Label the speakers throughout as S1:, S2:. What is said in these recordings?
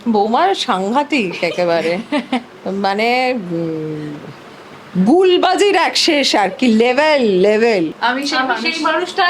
S1: বৌমার সাংঘাতিক একেবারে। মানে গুলবাজির এক শেষ আর কি, লেভেল।
S2: আমি সেই মানুষটা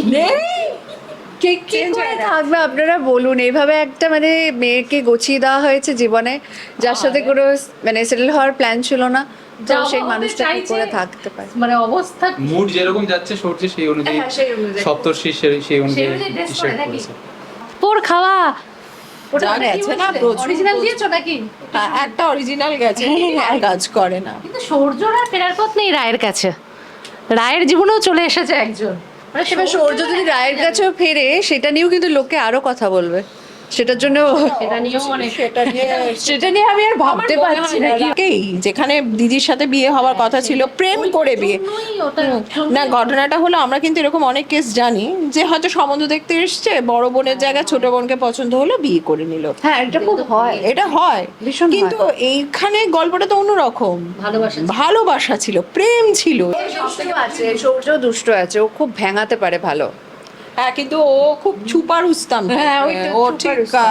S3: কি করে থাকবে আপনারা বলুন? এইভাবে একটা মানে মেয়েকে গছিয়ে দেওয়া হয়েছে জীবনে, যার সাথে কোনো মানে সেটেল হওয়ার প্ল্যান ছিল না, তো সেই মানুষটা কি করে থাকতে পারে?
S2: মানে অবস্থা
S4: মুড যেরকম যাচ্ছে সূর্য সেই অনুযায়ী,
S3: হ্যাঁ, সেই অনুযায়ী।
S4: সপ্তর্ষি সেই অনুযায়ী
S2: dress
S4: টি-শার্ট
S2: করে নাকি?
S4: পরেছে।
S2: পোর খাওয়া ওটা
S1: যা গেছে না প্রচুর,
S2: অরিজিনাল দিয়েছো নাকি?
S1: হ্যাঁ, একটা অরিজিনাল গেছে, আর কাজ করে না।
S2: কিন্তু সৌর্যর আর ফেরার পথ নেই রায়ের কাছে। রায়ের জীবনেও চলে এসেছে একজন, মানে
S3: এবার সৌর্য যদি রায়ের কাছেও ফেরে, সেটা নিয়েও কিন্তু লোকে আরো কথা বলবে, সেটার জন্য
S2: সেটা নিয়েও অনেক
S3: সেটা নিয়ে আমি আর ভাবতে পারছি না।
S1: কেই যেখানে দিদির সাথে বিয়ে হওয়ার কথা ছিল, প্রেম করে বিয়ে। না, ঘটনাটা হলো আমরা কিন্তু এরকম অনেক কেস জানি যে হয়তো সম্বন্ধ দেখতে এসছে, বড় বোনের জায়গায় ছোট বোনকে পছন্দ হলো, বিয়ে করে নিল।
S3: হ্যাঁ, এটা খুব হয়।
S1: এটা হয়
S3: ভীষণ
S1: কিন্তু এইখানে গল্পটা তো অন্যরকম। ভালোবাসা ছিল, প্রেম ছিল।
S3: দুষ্ট আছে, সৌর্য দুষ্ট আছে, ও খুব ভেঙাতে পারে ভালো।
S1: হ্যাঁ, কিন্তু ও খুব ছুপা রুস্তাম।
S3: হ্যাঁ, ওইটা
S1: ও
S3: ছুপা
S1: ঠিক
S3: রুস্তাম।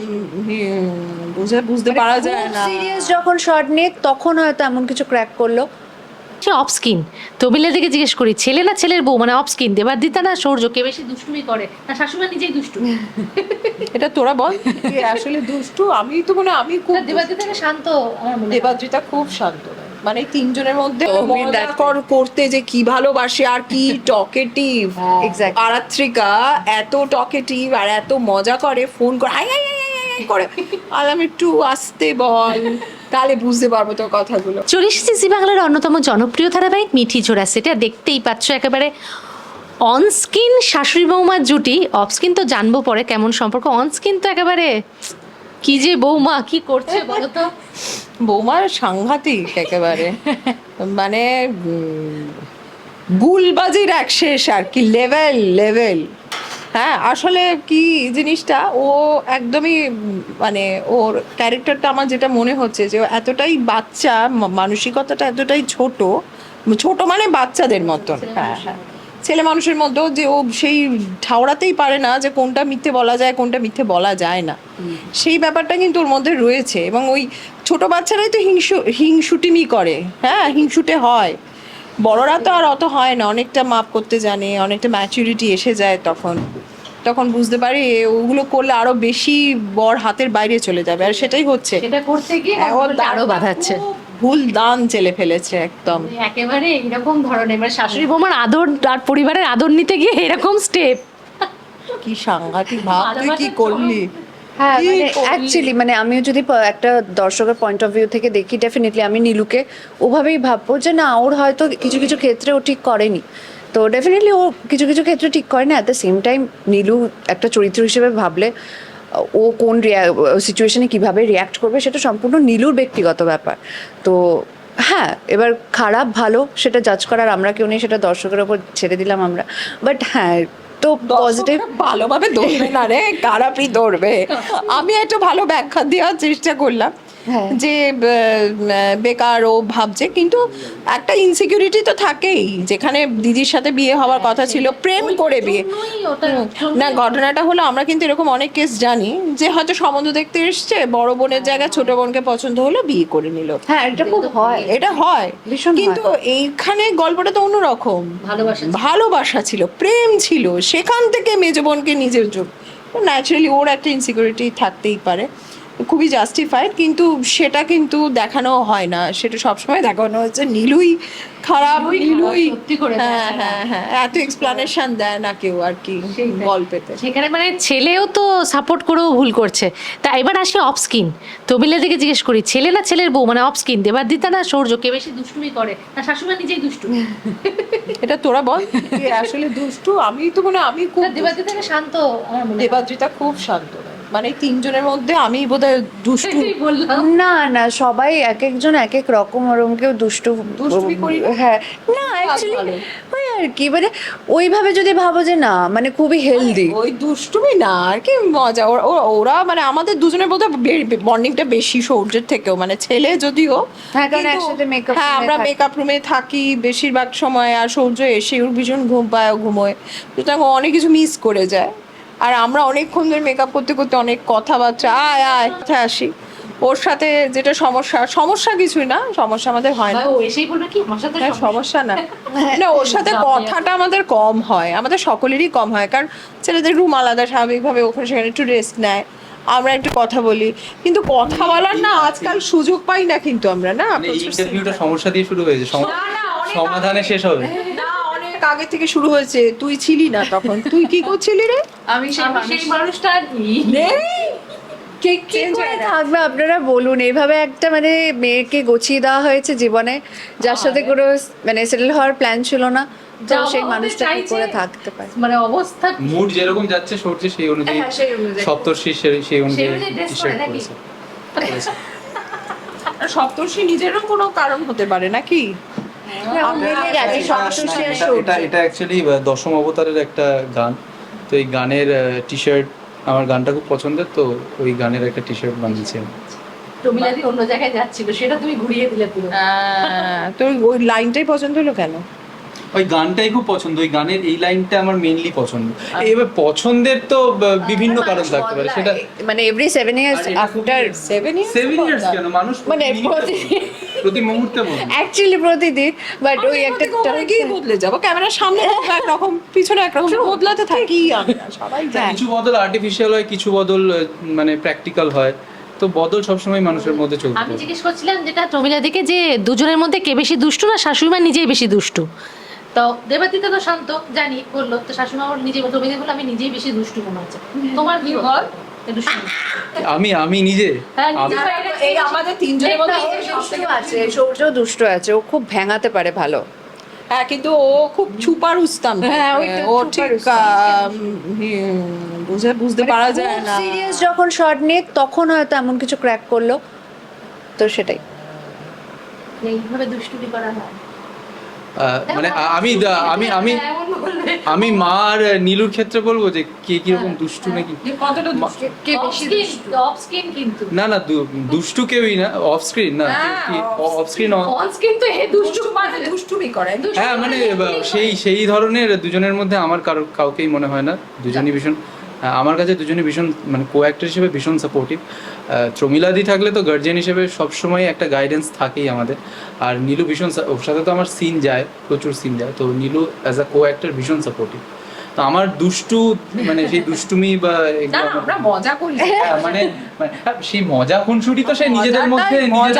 S1: বুঝতে পারা যায় না।
S3: সিরিয়াস যখন শট নিয়ে, তখন হয়তো এমন কিছু ক্র্যাক করলো।
S2: সে অফ স্কিন। তবিলা থেকে জিজ্ঞেস করি, ছেলে না ছেলের বউ, মানে অফ স্কিন দেবাদিতা না সৌর্য, কে বেশি দুষ্টুমি করে? না শাশুড়ি নিজেই দুষ্টু?
S1: এটা তোরা বল, কে আসলে দুষ্টু? আমি তো মনে হয় আমি খুব
S2: দেবাদিতা শান্ত আমার মনে হয়।
S1: দেবাদ্রিতা খুব শান্ত, মানে এই তিনজনের মধ্যে
S3: তো
S1: মজা করতে যে কি ভালোবাসে আর কি টকেটিভ।
S3: Exactly.
S1: আরাত্রিকা এত টকেটিভ আর এত মজা করে, ফোন করে hi hi hi hi hi করে, আর আমি একটু আসতে বল, তাহলে বুঝতে পারবো তোর কথাগুলো।
S2: চলে এসেছি জি বাংলার অন্যতম জনপ্রিয় ধারাবাহিক মিঠি ঝোড়া সেটা। দেখতেই পাচ্ছ একেবারে অন স্কিন শাশুড়ি বৌমার জুটি। অফ স্কিন তো জানবো পরে কেমন সম্পর্ক, অন স্কিন তো একেবারে কি যে বৌমা কি করছে বলো তো।
S1: বৌমার সাংঘাতিক একেবারে। মানে গুলবাজির এক শেষ আর কি, লেভেল। হ্যাঁ, আসলে কি জিনিসটা, ও একদমই মানে ওর ক্যারেক্টারটা আমার যেটা মনে হচ্ছে যে ও এতটাই বাচ্চা, মানসিকতাটা এতটাই ছোট মানে বাচ্চাদের মতন। হ্যাঁ, ছেলে মানুষের মধ্যেও যে ও সেই ঠাওরাতেই পারে না যে কোনটা মিথ্যে বলা যায়, কোনটা মিথ্যে বলা যায় না, সেই ব্যাপারটা কিন্তু ওর মধ্যে রয়েছে। এবং ওই ছোট বাচ্চারাই তো হিংসুটিমি করে, হ্যাঁ, হিংসুটে হয়। বড়রা তো আর অত হয় না, অনেকটা মাপ করতে জানে, অনেকটা ম্যাচুরিটি এসে যায়, তখন বুঝতে পারি ওগুলো করলে আরো বেশি বর হাতের বাইরে চলে যাবে, আর সেটাই হচ্ছে।
S2: সেটা করতে গিয়ে আরো বাধাচ্ছে,
S1: ভুল দান চেলে ফেলেছে একদম।
S2: একেবারে এইরকম ধরনের, মানে শাশুড়ি বৌমার আদর আর পরিবারের আদর নিতে গিয়ে এরকম স্টেপ।
S1: কি সাংঘাতিক ভাব, তুই কি করলি?
S3: হ্যাঁ,
S1: কি
S3: মানে
S1: করলি?
S3: অ্যাকচুয়ালি মানে আমিও যদি একটা দর্শকের পয়েন্ট অফ ভিউ থেকে দেখি, ডেফিনেটলি আমি নীলুকে ওভাবেই ভাববো যে না, ওর হয়তো কিছু কিছু ক্ষেত্রে ও ঠিক করেনি, তো ডেফিনেটলি ও কিছু কিছু ক্ষেত্রে ঠিক করে না। At the same time Nilu একটা চরিত্র হিসেবে ভাবলে ও কোন সিচুয়েশনে কিভাবে রিয়াক্ট করবে সেটা সম্পূর্ণ নীলুর ব্যক্তিগত ব্যাপার। তো হ্যাঁ, এবার খারাপ ভালো সেটা জাজ করার আমরা কেউ নেই, সেটা দর্শকের ওপর ছেড়ে দিলাম আমরা। বাট হ্যাঁ, তো পজিটিভ
S1: ভালোভাবে ধরবে না রে, খারাপই ধরবে। আমি একটা ভালো ব্যাখ্যা দেওয়ার চেষ্টা করলাম যে বেকার ও ভাবছে, কিন্তু একটা ইনসিকিউরিটি তো থাকেই। যেখানে দিদির সাথে বিয়ে হওয়ার কথা ছিল, প্রেম করে বিয়ে। না, ঘটনাটা হলো আমরা কিন্তু এরকম অনেক কেস জানি যে হয়তো সম্বন্ধ দেখতে এসছে, বড় বোনের জায়গায় ছোট বোনকে পছন্দ হলো, বিয়ে করে নিল।
S3: হ্যাঁ, এটা খুব হয়।
S1: এটা হয়
S3: ভীষণ
S1: কিন্তু এইখানে গল্পটা তো অন্যরকম।
S2: ভালোবাসা
S1: ভালোবাসা ছিল, প্রেম ছিল, সেখান থেকে মেজ বোনকে নিজের যোগ, ন্যাচারালি ওর একটা ইনসিকিউরিটি থাকতেই পারে, খুবই জাস্টিফাইড, কিন্তু সেটা কিন্তু দেখানো হয় না। সেটা সবসময় দেখানো হচ্ছে নীলুই খারাপ, নীলুই।
S2: সত্যি করে
S1: হ্যাঁ হ্যাঁ হ্যাঁ, এত এক্সপ্লানেশন দেয় না কেউ আর কি গল্পেতে।
S2: সেখানে মানে ছেলেও তো সাপোর্ট করেও ভুল করছে। তা এবার আসি অফ স্কিন। তবিলা থেকে জিজ্ঞেস করি, ছেলে না ছেলের বউ, মানে অফ স্কিন দেবাদিতা না সৌর্য, কে বেশি দুষ্টুমি করে? না শাশুড়ি নিজেই দুষ্টু?
S1: এটা তোরা বল, কে আসলে দুষ্টু? আমি তো মনে হয় আমি খুব
S2: দেবাদিতা শান্ত আমার মনে হয়।
S1: দেবাদ্রিতা খুব শান্ত, মানে এই তিনজনের মধ্যে আমি বোধহয় দুষ্টু।
S2: সেটাই বললাম।
S3: না না, সবাই এক একজন এক এক রকম, ওরম কেউ
S1: দুষ্টুমি করি না।
S3: হ্যাঁ, না অ্যাকচুয়ালি ওই আর কি, মানে ওইভাবে যদি ভাবো যে না, মানে খুবই হেলদি।
S1: ওই দুষ্টুমি না আর কি, মজা। ওরা মানে আমাদের দুজনের বোধহয় বন্ডিংটা বেশি সৌর্যের থেকেও, মানে ছেলে যদিও,
S3: হ্যাঁ, কারণ
S1: কিন্তু
S3: একসাথে makeup
S1: হ্যাঁ,
S3: room এ
S1: আমরা
S3: থাকি।
S1: মেকআপ রুমে থাকি বেশিরভাগ সময়, আর সৌর্য এসে ওর ভীষণ ঘুম পায়, ঘুমোয়, সুতরাং ও অনেক কিছু মিস করে যায়। আর আমরা অনেকক্ষণ ধরে মেকআপ করতে করতে অনেক কথাবার্তা আয় আয় কোথায় আসি। ওর সাথে যেটা সমস্যা কিছুই না, সমস্যা আমাদের হয় না।
S2: ও এসেই বলবে কি আমার সাথে
S1: হ্যাঁ, সমস্যা না না, ওর সাথে কথাটা আমাদের কম হয়, আমাদের সকলেরই কম হয়, কারণ ছেলেদের রুম আলাদা, স্বাভাবিকভাবে ওখানে সেখানে একটু রেস্ট নেয়, আমরা একটু কথা বলি, কিন্তু কথা বলার না আজকাল সুযোগ পাই না, কিন্তু আমরা না
S4: মানে এই ইন্টারভিউটা সমস্যা দিয়ে শুরু হয়েছে, সমাধানে শেষ হবে।
S1: না, অনেক আগে থেকে শুরু হয়েছে। তুই ছিলি না তখন, তুই কি করছিলি রে?
S3: আমি
S2: সেই মানুষটা
S1: নেই,
S3: কি করে থাকবে আপনারা বলুন? এইভাবে একটা মানে মেয়েকে গছিয়ে দেওয়া হয়েছে জীবনে, যার সাথে কোনো মানে সেটেল হওয়ার প্ল্যান ছিল না, তো সেই মানুষটা কি করে থাকতে পারে?
S2: মানে অবস্থা
S4: মুড যেরকম যাচ্ছে সূর্য সেই অনুযায়ী,
S3: হ্যাঁ, সেই অনুযায়ী।
S4: সপ্তর্ষি সেই অনুযায়ী
S2: dress
S4: টি-শার্ট
S2: পরে নাকি?
S4: পরেছে।
S1: সপ্তর্ষি নিজেরও কোনো কারণ হতে পারে নাকি?
S3: মিলে গেছে সপ্তর্ষি আর সূর্য।
S4: এটা অ্যাকচুয়ালি দশম অবতারের একটা গান, তো এই গানের টি-শার্ট, আমার গানটা খুব পছন্দের, তো ওই গানের একটা টি-শার্ট বানিয়েছি আমি।
S2: প্রমিলাদি অন্য জায়গায় যাচ্ছিল, সেটা তুমি ঘুরিয়ে দিলে পুরো।
S1: তোর ওই লাইনটাই পছন্দ হলো কেন?
S4: ওই গানটাই খুব পছন্দ, ওই গানের এই লাইনটা আমার মেইনলি পছন্দ। এবার পছন্দের তো বিভিন্ন কারণ থাকতে পারে, সেটা
S3: মানে এভরি 7 ইয়ার্স
S4: আর এটা
S3: আফটার
S1: 7 years
S4: 7 ইয়ার্স কেন, মানুষ
S3: মানে
S4: প্রতি মুহূর্তে বলে।
S3: অ্যাকচুয়ালি প্রতিদিন, বাট ওই একটা
S1: কি বদলে যাবো, ক্যামেরার সামনে একরকম, পিছনে একরকম, বদলাতে থাকি আমরা সবাই জানি।
S4: কিছু বদল আর্টিফিশিয়াল হয়, কিছু বদল মানে প্র্যাকটিক্যাল হয়, তো বদল সবসময় মানুষের মধ্যে চলতে
S2: আমি
S4: থাকে।
S2: জিজ্ঞেস করছিলাম যেটা প্রমিলাদিকে, যে দুজনের মধ্যে কে বেশি দুষ্টু, না শাশুড়ি মা নিজেই বেশি দুষ্টু? তো দেবাদিতা তো শান্ত, জানি বললো, তো শাশুড়ি মা নিজে প্রমিলা বললো আমি নিজেই বেশি দুষ্টু মনে হচ্ছে। তোমার কি বল? একটু শুনি।
S4: আমি নিজে
S2: হ্যাঁ, নিজে
S4: আমি-
S2: বাইরে
S1: এই আমাদের তিনজনের মধ্যে
S3: দুষ্ট আছে, সূর্য দুষ্ট আছে, ও খুব ভেঙাতে পারে ভালো।
S1: হ্যাঁ, কিন্তু ও খুব ছুপা রুস্তাম।
S3: হ্যাঁ, ওই তো
S1: ও
S3: ছুপা
S1: ঠিক
S3: রুস্তাম।
S1: বুঝতে পারা যায় না।
S3: সিরিয়াস যখন শর্ট নিয়ে তখন হয়তো এমন কিছু ক্র্যাক করলো, তো সেটাই।
S2: এইভাবে দুষ্টুমি করা হয়।
S4: মানে আমি মা আর নীলুর ক্ষেত্রে বলবো যে কে কিরকম দুষ্টু নাকি।
S1: কতটা
S3: কে বেশি
S2: অফ স্ক্রিন কিন্তু,
S4: না না, দুষ্টু কেউই না, অফ স্ক্রিন না, অফ স্ক্রিন।
S2: অন স্ক্রিন তো এ দুষ্টু মানে
S1: দুষ্টুমি করে।
S4: হ্যাঁ মানে সেই ধরনের দুজনের মধ্যে আমার কাউকেই মনে হয় না, দুজনই ভীষণ, আমার কাছে দুজনই ভীষণ মানে কো অ্যাক্টর হিসেবে ভীষণ সাপোর্টিভ। প্রমিলাদি থাকলে তো গার্জিয়ান হিসেবে সবসময় একটা গাইডেন্স থাকেই আমাদের, আর নীলু ভীষণ, ওর সাথে তো আমার সিন যায়, প্রচুর সিন যায়, তো Nilu as a co actor ভীষণ সাপোর্টিভ। তো আমার দুষ্টু মানে সেই দুষ্টুমি বা
S1: না, আমরা মজা করি।
S4: মানে সেই মজা খুনসুটি তো সেই নিজেদের মধ্যে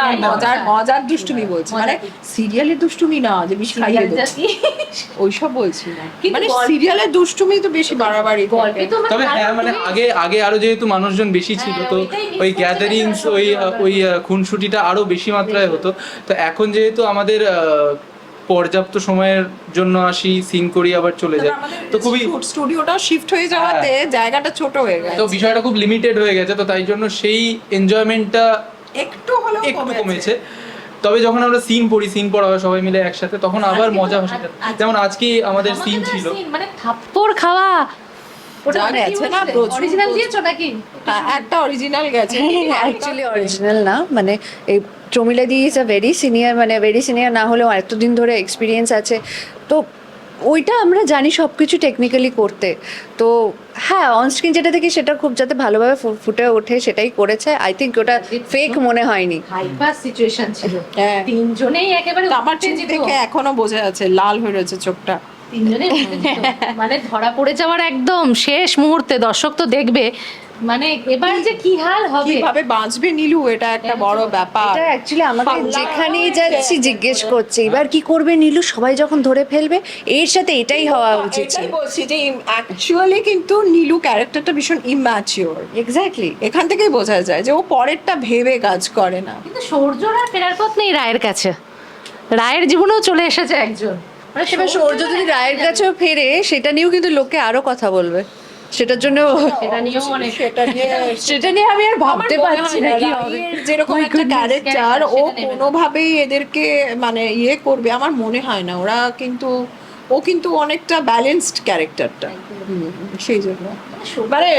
S1: মজার দুষ্টুমি বলছি, মানে সিরিয়ালের দুষ্টুমি না যে বেশি খাইয়ে দেবো, ওইসব বলছি না,
S2: কিন্তু
S1: মানে
S2: গল্পে-
S1: সিরিয়ালের দুষ্টুমি তো বেশি বাড়াবাড়ি
S2: গল্পে তো
S4: তবে হ্যাঁ মানে আগে আরো যেহেতু মানুষজন বেশি ছিল, তো
S2: ওইটাই miss
S4: ওই
S2: করতে
S4: গ্যাদারিংস, ওই খুনসুটিটা আরো বেশি মাত্রায় হতো। তো এখন যেহেতু আমাদের পর্যাপ্ত সময়ের জন্য আসি, সিন করি, আবার চলে যায়, তো খুবই,
S1: স্টুডিওটা শিফট হয়ে যাওয়াতে জায়গাটা ছোট হয়ে গেছে,
S4: তো বিষয়টা খুব লিমিটেড হয়ে গেছে, তো তাই জন্য সেই এনজয়মেন্টটা
S1: একটু হলেও
S4: একটু কমেছে। তবে যখন আমরা সিন পড়া হয় সবাই মিলে একসাথে, তখন আবার মজা হয় সেটা। যেমন আজকে আমাদের সিন ছিল,
S2: মানে থাপ্পড় খাওয়া, ওটা
S1: যা গেছে না, প্রচুর,
S2: অরিজিনাল
S1: প্রচুর।
S2: দিয়েছো নাকি?
S1: একটা অরিজিনাল গেছে,
S3: অ্যাকচুয়ালি অরিজিনাল না, মানে এই প্রমিলাদি ইজ আ ভেরি সিনিয়র, মানে ভেরি সিনিয়র না হলেও এতদিন ধরে এক্সপিরিয়েন্স আছে, তো ওইটা আমরা জানি সব কিছু টেকনিক্যালি করতে। তো হ্যাঁ, অনস্ক্রিন যেটা দেখি সেটা খুব যাতে ভালোভাবে ফুটে ওঠে সেটাই করেছে। আই থিঙ্ক ওটা ফেক মনে হয়নি।
S2: হাইপার সিচুয়েশন ছিল,
S1: হ্যাঁ।
S2: তিনজনেই একেবারে
S1: আমার চোখ
S2: উত্তেজিত।
S1: দেখে এখনো বোঝা যাচ্ছে, লাল হয়ে রয়েছে চোখটা।
S2: তিনজনেই উত্তেজিত। মানে ধরা পড়ে যাওয়ার একদম শেষ মুহূর্তে, দর্শক তো দেখবে, মানে এবার যে কি হাল হবে।
S1: কিভাবে বাঁচবে নীলু, এটা একটা বড় ব্যাপার।
S3: এটা অ্যাকচুয়ালি আমাকে
S1: পাল্লা
S3: যেখানেই
S1: হয়ে
S3: যাচ্ছি
S1: গেছে।
S3: জিজ্ঞেস করছে এবার কি করবে নীলু, সবাই যখন ধরে ফেলবে, এর সাথে এটাই হওয়া উচিত ছিল।
S1: এটাই বলছি যে অ্যাকচুয়ালি কিন্তু নীলু ক্যারেক্টারটা ভীষণ ইম্যাচিওর,
S3: এক্স্যাক্টলি।
S1: এখান থেকেই বোঝা যায় যে ও পরেরটা ভেবে কাজ করে না।
S2: কিন্তু সৌর্যর আর ফেরার পথ নেই রায়ের কাছে, রায়ের জীবনেও চলে এসেছে একজন, মানে
S3: এবার সৌর্য যদি রায়ের কাছেও ফেরে, সেটা নিয়েও কিন্তু লোকে আরো কথা বলবে, সেটার জন্য
S2: সেটা নিয়েও অনেক
S3: সেটা নিয়ে আমি আর ভাবতে পারছি না কি হবে।
S1: রায়ের যেরকম
S3: My
S1: একটা
S3: goodness,
S1: ক্যারেক্টার, ও
S2: সেটা নেবে না।
S1: কোনোভাবেই এদেরকে মানে ইয়ে করবে আমার মনে হয় না। ওরা কিন্তু, ও কিন্তু অনেকটা ব্যালেন্সড ক্যারেক্টারটা, সেই জন্য মানে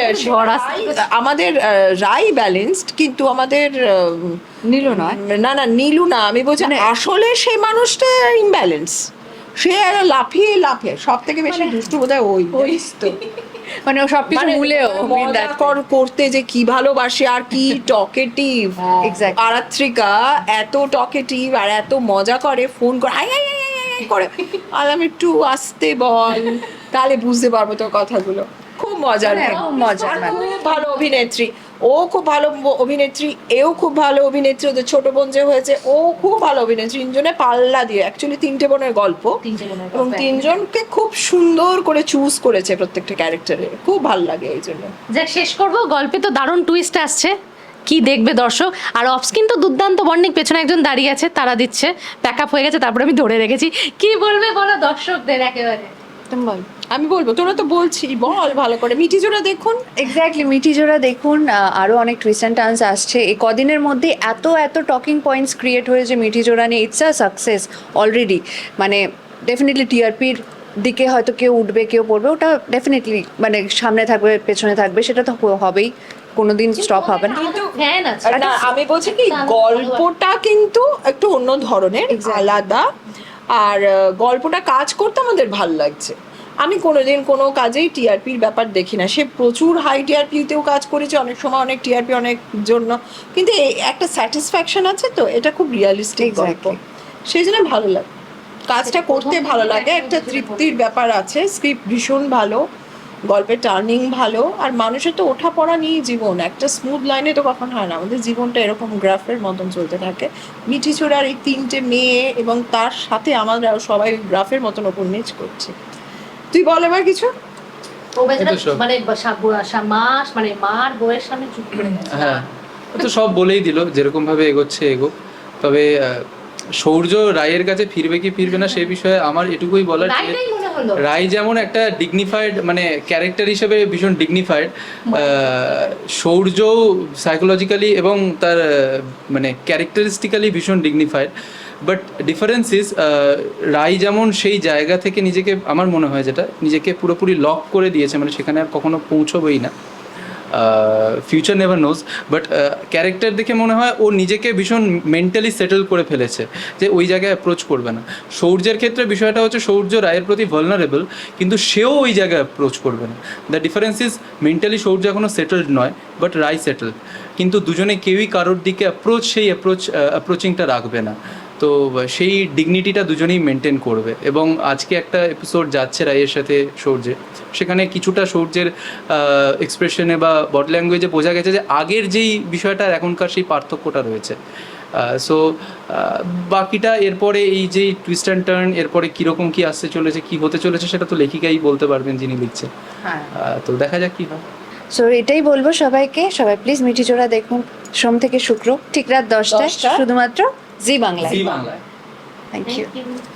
S1: আমাদের রাই ব্যালেন্সড, কিন্তু আমাদের
S3: নীলু নয়।
S1: না না, নীলু না, আমি বলছি আসলে সেই মানুষটা ইমব্যালেন্স। সে লাফিয়ে সব থেকে বেশি দুষ্টু বোধহয় ওই তো
S3: মানে ও সবকিছু ভুলেও
S1: মজা করতে যে কি ভালোবাসে আর কি টকেটিভ।
S3: Exactly.
S1: আরাত্রিকা এত টকেটিভ আর এত মজা করে, ফোন করে hi hi hi hi hi করে, আর আমি একটু আসতে বল তাহলে বুঝতে পারবো তোর কথাগুলো। খুব মজার
S3: হ্যাঁ,
S1: মেয়ে।
S3: খুব মজার
S1: আর
S3: মেয়ে।
S1: খুব ভালো অভিনেত্রী, ও খুব ভালো অভিনেত্রী, এও খুব ভালো অভিনেত্রী, ওদের ছোট বোন যে হয়েছে ও খুব ভালো অভিনেত্রী। তিনজনে পাল্লা দিয়ে, অ্যাকচুয়ালি তিনটে বোনের গল্প এবং তিনজনকে খুব সুন্দর করে চুজ করেছে প্রত্যেকটা ক্যারেক্টারে, খুব ভালো লাগে এই জন্য।
S2: যাক, শেষ করব, গল্পে তো দারুণ টুইস্ট আসছে, কি দেখবে দর্শক। আর অফস্ক্রিন তো দুর্দান্ত বন্ডিং, পেছনে একজন দাঁড়িয়ে আছে, তারা দিচ্ছে, প্যাক আপ হয়ে গেছে, তারপরে আমি ধরে রেখেছি। কি বলবে বলো দর্শকদের একেবারে?
S3: তুমি বল।
S1: আমি বলবো, তোরা তো বলছি, বল ভালো করে। মিঠি জোড়া দেখুন।
S3: এক্স্যাক্টলি, মিঠি জোড়া দেখুন। আরও অনেক টুইস্ট অ্যান্ড টার্নস আসছে এই কদিনের মধ্যে। এত টকিং পয়েন্টস ক্রিয়েট হয়েছে মিঠি জোড়া নিয়ে, ইটস আ সাকসেস অলরেডি। মানে ডেফিনেটলি টিআরপির দিকে হয়তো কেউ উঠবে কেউ পড়বে, ওটা ডেফিনেটলি মানে সামনে থাকবে পেছনে থাকবে, সেটা তো হবেই, কোনোদিন স্টপ হবে না।
S2: কিন্তু ফ্যান আছে।
S1: না, আমি বলছি কি, গল্পটা কিন্তু একটু অন্য ধরনের, আলাদা। আর গল্পটা কাজ করতে আমাদের ভাল লাগছে। আমি কোনোদিন কোনো কাজেই টিআরপির ব্যাপার দেখি না। সে প্রচুর হাই টিআরপিতেও কাজ করেছে, অনেক সময় অনেক টিআরপি অনেক জন্য, কিন্তু এই একটা স্যাটিসফ্যাকশন আছে, তো এটা খুব রিয়ালিস্টিক গল্প, সেই জন্য ভালো লাগে, কাজটা করতে ভালো লাগে, একটা তৃপ্তির ব্যাপার আছে। স্ক্রিপ্ট ভীষণ ভালো, গল্পের টার্নিং ভালো, আর মানুষের তো ওঠা পড়া নিয়েই জীবন, একটা স্মুথ লাইনে তো কখন হয় না। আমাদের জীবনটা এরকম গ্রাফের মতন চলতে থাকে। মিঠি চোরার এই তিনটে মেয়ে এবং তার সাথে আমরা সবাই গ্রাফের মতন ওপর নিচ করছি। তুই বল এবার কিছু।
S2: ও বেচারা
S4: এই তো সব।
S2: মানে মাস মানে মার বউয়ের সামনে চুপ করে গেছে।
S4: হ্যাঁ, ও তো সব বলেই দিল, যেরকম ভাবে এগোচ্ছে এগোক। তবে সৌর্য রায়ের কাছে ফিরবে কি ফিরবে না সে বিষয়ে আমার এটুকুই বলার যে
S2: রাইটাই মনে হলো।
S4: রায় যেমন একটা ডিগনিফাইড মানে ক্যারেক্টার হিসেবে ভীষণ ডিগনিফাইড, সৌর্য সাইকোলজিক্যালি এবং তার মানে ক্যারেক্টারিস্টিক্যালি ভীষণ dignified. But difference is Roy যেমন সেই জায়গা থেকে নিজেকে, আমার মনে হয় যেটা, নিজেকে পুরোপুরি লক করে দিয়েছে, মানে সেখানে আর কখনো পৌঁছবেই না। Future never knows, but character দেখে মনে হয় ও নিজেকে ভীষণ মেন্টালি সেটেল করে ফেলেছে যে ওই জায়গায় অ্যাপ্রোচ করবে না। সৌর্যের ক্ষেত্রে বিষয়টা হচ্ছে সৌর্য রায়ের প্রতি ভালনারেবল, কিন্তু সেও ওই জায়গায় অ্যাপ্রোচ করবে না। The difference is mentally Shaurya এখনও সেটেলড নয়, বাট রায় সেটেল, কিন্তু দুজনে কেউই কারোর দিকে অ্যাপ্রোচিংটা রাখবে না। তো সেই ডিগনিটিটা দুজনেই মেনটেন করবে। এবং আজকে একটা এপিসোড যাচ্ছে রায়ের সাথে সৌর্যের, সেখানে কিছুটা সৌর্যের এক্সপ্রেশনে বা বডি ল্যাঙ্গুয়েজে বোঝা গেছে যে আগের যেই বিষয়টা আর এখনকার সেই পার্থক্যটা রয়েছে। সো বাকিটা এরপরে এই যে টুইস্ট অ্যান্ড টার্ন, এরপরে কীরকম কী আসতে চলেছে, কী হতে চলেছে, সেটা তো লেখিকাই বলতে পারবেন যিনি লিখছেন। তো দেখা যাক কী হয়।
S3: সো এটাই বলবো সবাইকে, সবাই প্লিজ মিঠি জোড়া দেখুন সোম থেকে শুক্র ঠিক রাত 10টায়, শুধুমাত্র জি বাংলায়।
S4: জি বাংলায়।
S3: Thank you.
S2: Thank you.